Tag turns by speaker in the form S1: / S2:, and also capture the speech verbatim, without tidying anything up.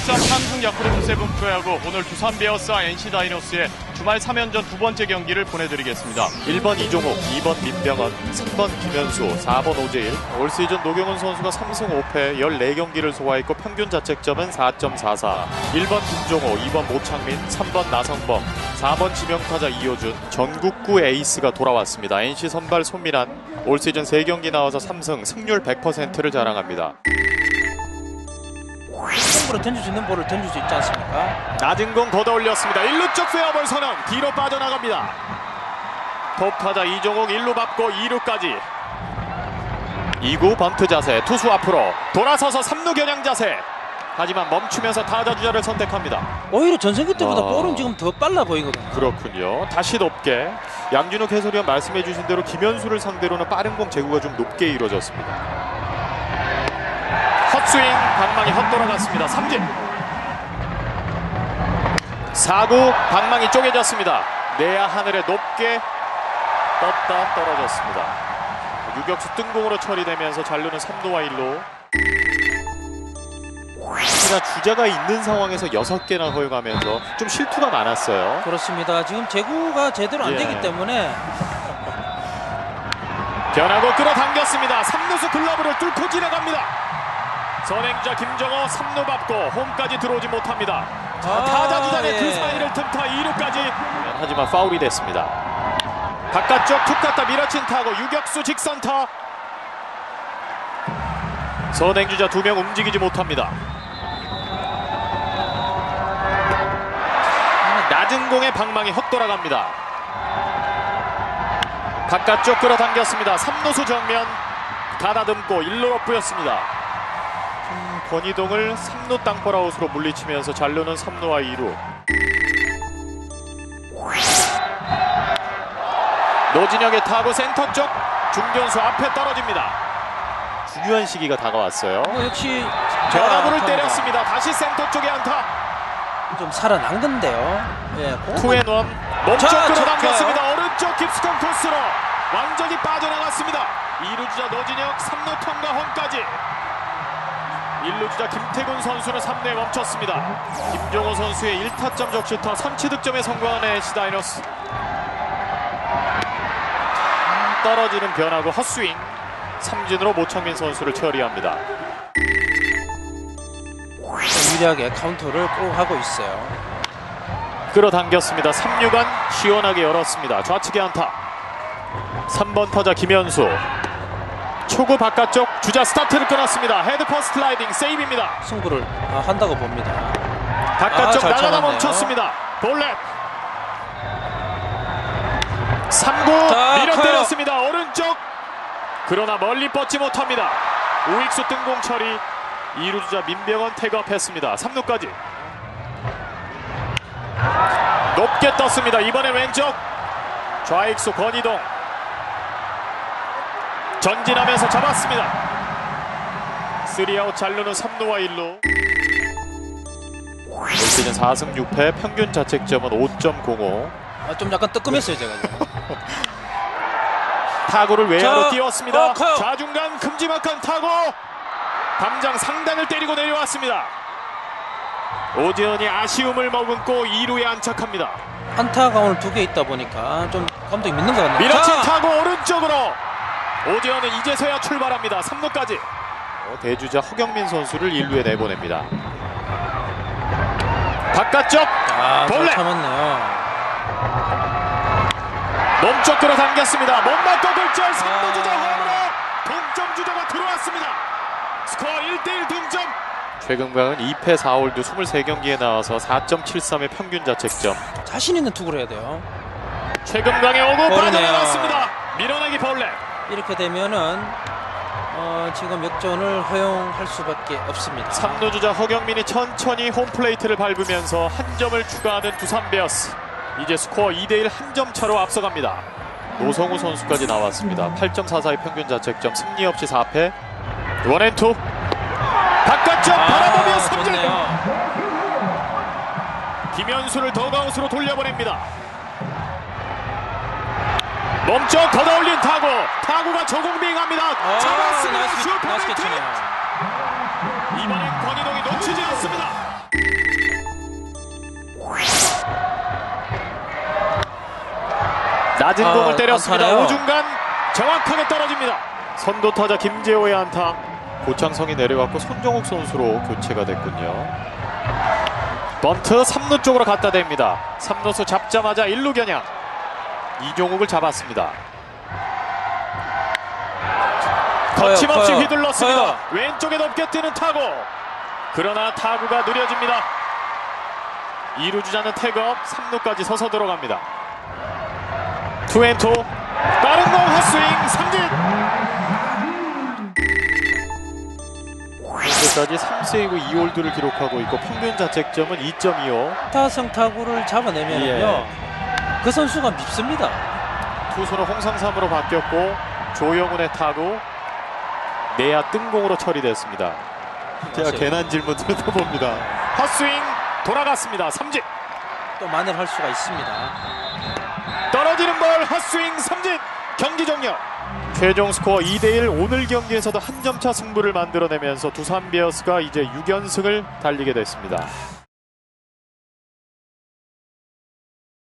S1: 울산 삼성 야쿠르트 세븐 프로야구 오늘 두산 베어스와 엔씨 다이노스의 주말 삼 연전 두 번째 경기를 보내드리겠습니다.
S2: 일 번 이종욱, 이 번 민병헌, 삼 번 김현수, 사 번 오재일. 올 시즌 노경은 선수가 삼 승 오 패 열네 경기를 소화했고 평균 자책점은 사 점 사사. 일 번 김종호, 이 번 모창민, 삼 번 나성범, 사 번 지명타자 이호준. 전국구 에이스가 돌아왔습니다. 엔씨 선발 손민환 올 시즌 세 경기 나와서 삼 승, 승률 백 퍼센트를 자랑합니다.
S3: 승부로 던질 수 있는 볼을 던질 수 있지 않습니까?
S2: 낮은 공 걷어 올렸습니다. 일 루 쪽 페어볼 선언, 뒤로 빠져나갑니다. 톱타자 이종욱 일 루 밟고 이 루까지. 이 구 번트 자세, 투수 앞으로 돌아서서 삼 루 겨냥 자세. 하지만 멈추면서 타자 주자를 선택합니다.
S3: 오히려 전성기 때보다
S2: 아...
S3: 볼은 지금 더 빨라 보이거든요.
S2: 그렇군요. 다시 높게. 양준욱 해설위원 말씀해 주신 대로 김현수를 상대로는 빠른 공 제구가 좀 높게 이루어졌습니다. 헛스윙, 방망이 헛돌아갔습니다. 삼진. 사 구 방망이 쪼개졌습니다. 내야 하늘에 높게 떴다 떨어졌습니다. 유격수 뜬공으로 처리되면서 잔루는 삼 루와 일 루. 특히나 주자가 있는 상황에서 여섯 개나 허용하면서 좀 실투가 많았어요.
S3: 그렇습니다. 지금 제구가 제대로 안
S2: 예.
S3: 되기 때문에
S2: 변하고 끌어당겼습니다. 삼 루수 글러브를 뚫고 지나갑니다. 선행자 김정호 삼 루 밟고 홈까지 들어오지 못합니다. 자,
S3: 아,
S2: 타자 주장의
S3: 예.
S2: 그 사이를 틈타 이 루까지. 하지만 파울이 됐습니다. 바깥쪽 툭 갖다 밀어친 타고 유격수 직선타. 선행주자 두 명 움직이지 못합니다. 낮은 공에 방망이 헛돌아갑니다. 바깥쪽 끌어당겼습니다. 삼 루수 정면 가다듬고 일 루로 뿌렸습니다. 음, 권희동을 삼 루 땅볼아웃으로 물리치면서 잔루는 삼 루와 이 루. 노진혁의 타구 센터 쪽 중견수 앞에 떨어집니다. 중요한 시기가 다가왔어요.
S3: 뭐 역시
S2: 변화구를 때렸습니다. 다시 센터 쪽에 안타.
S3: 좀 살아난 건데요. 예,
S2: 투앤원 몸쪽
S3: 자,
S2: 끌어당겼습니다. 오른쪽 깊숙한 코스로 완전히 빠져나갔습니다. 이 루 주자 노진혁 삼 루 통과 홈까지. 일 루 주자 김태군 선수는 삼 루에 멈췄습니다. 김종호 선수의 일 타점 적시타 선취 득점에 성공한 엔씨 다이노스. 떨어지는 변화구 헛스윙. 삼진으로 모창민 선수를 처리합니다.
S3: 유리하게 카운터를 꼭 하고 있어요.
S2: 끌어당겼습니다. 삼 루간 시원하게 열었습니다. 좌측에 안타. 삼 번 타자 김현수. 초구 바깥쪽 주자 스타트를 끊었습니다. 헤드 퍼스트 슬라이딩 세이브입니다.
S3: 승부를 아, 한다고 봅니다.
S2: 바깥쪽
S3: 아,
S2: 나가다 멈췄습니다. 볼넷. 삼 구
S3: 자,
S2: 밀어
S3: 커요.
S2: 때렸습니다. 오른쪽. 그러나 멀리 뻗지 못합니다. 우익수 뜬공 처리. 이 루 주자 민병헌 태그업했습니다. 삼 루까지. 높게 떴습니다. 이번에 왼쪽. 좌익수 권희동. 전진하면서 잡았습니다. 삼 아웃 잔루는 삼 루와 일 루. 올 시즌 사 승 육 패 평균 자책점은 오 점 공오.
S3: 아, 좀 약간 뜨끔했어요 제가.
S2: 타구를 외야로
S3: 자,
S2: 띄웠습니다.
S3: 어, 커요.
S2: 좌중간 큼지막한 타구. 담장 상단을 때리고 내려왔습니다. 오재현이 아쉬움을 머금고 이 루에 안착합니다.
S3: 안타가 오늘 두 개 있다 보니까 좀 감독이 믿는 것 같네요.
S2: 밀어친
S3: 자!
S2: 타구 오른쪽으로. 오재현은 이제서야 출발합니다. 삼 루까지. 어, 대주자 허경민 선수를 일 루에 내보냅니다. 바깥쪽
S3: 아, 잘
S2: 볼넷.
S3: 참았네요.
S2: 몸쪽 끌어당겼습니다. 못 맞고 굴절. 삼 루
S3: 아.
S2: 주자 홈으로 동점 주자가 들어왔습니다. 스코어 일 대 일 동점. 최근강은 이 패 사 홀드 이십삼 경기에 나와서 사 점 칠삼의 평균 자책점.
S3: 자신 있는 투구를 해야 돼요.
S2: 최근강의 오구
S3: 볼이네요.
S2: 빠져나갔습니다. 밀어내기 볼넷.
S3: 이렇게 되면은 어, 지금 역전을 허용할 수밖에 없습니다.
S2: 삼 루 주자 허경민이 천천히 홈플레이트를 밟으면서 한 점을 추가하는 두산 베어스. 이제 스코어 이 대 일 한 점 차로 앞서갑니다. 노성우 선수까지 나왔습니다. 팔 점 사사의 평균 자책점. 승리 없이 사 패. 원앤투. 바깥쪽
S3: 아,
S2: 바라보며 삼진.
S3: 좋네요.
S2: 김현수를 더가웃으로 돌려보냅니다. 몸쪽 걷어올린 타구. 타구가 저공빙합니다.
S3: 아,
S2: 잡았습니다.
S3: 나이스, 나이스
S2: 슈퍼맨
S3: 캐치네요.
S2: 이번엔 권희동이 놓치지 않습니다. 낮은
S3: 아,
S2: 공을 때렸습니다.
S3: 안타네요.
S2: 오중간 정확하게 떨어집니다. 선두 타자 김재호의 안타. 고창성이 내려갔고 손정욱 선수로 교체가 됐군요. 번트 삼 루 쪽으로 갖다 댑니다. 삼 루수 잡자마자 일 루 겨냥. 이종욱을 잡았습니다. 거침없이
S3: 커요,
S2: 휘둘렀습니다.
S3: 커요.
S2: 왼쪽에 높게 뜨는 타구. 그러나 타구가 느려집니다. 이 루 주자는 태업, 삼 루까지 서서 들어갑니다. 투앤투 빠른 공 헛스윙 삼진. 현재까지 삼 세이브 이 홀드를 기록하고 있고 평균 자책점은 이 점 이오.
S3: 타성 타구를 잡아내면요
S2: 예.
S3: 그 선수가 밉습니다.
S2: 투수는 홍상삼으로 바뀌었고 조영훈의 타구 내야 뜬공으로 처리됐습니다. 제가
S3: 맞아요.
S2: 괜한 질문 드려봅니다. 헛스윙 돌아갔습니다. 삼진.
S3: 또 만회할 수가 있습니다.
S2: 떨어지는 볼 헛스윙 삼진. 경기 종료. 최종 스코어 이 대 일. 오늘 경기에서도 한 점차 승부를 만들어내면서 두산 베어스가 이제 육 연승을 달리게 됐습니다.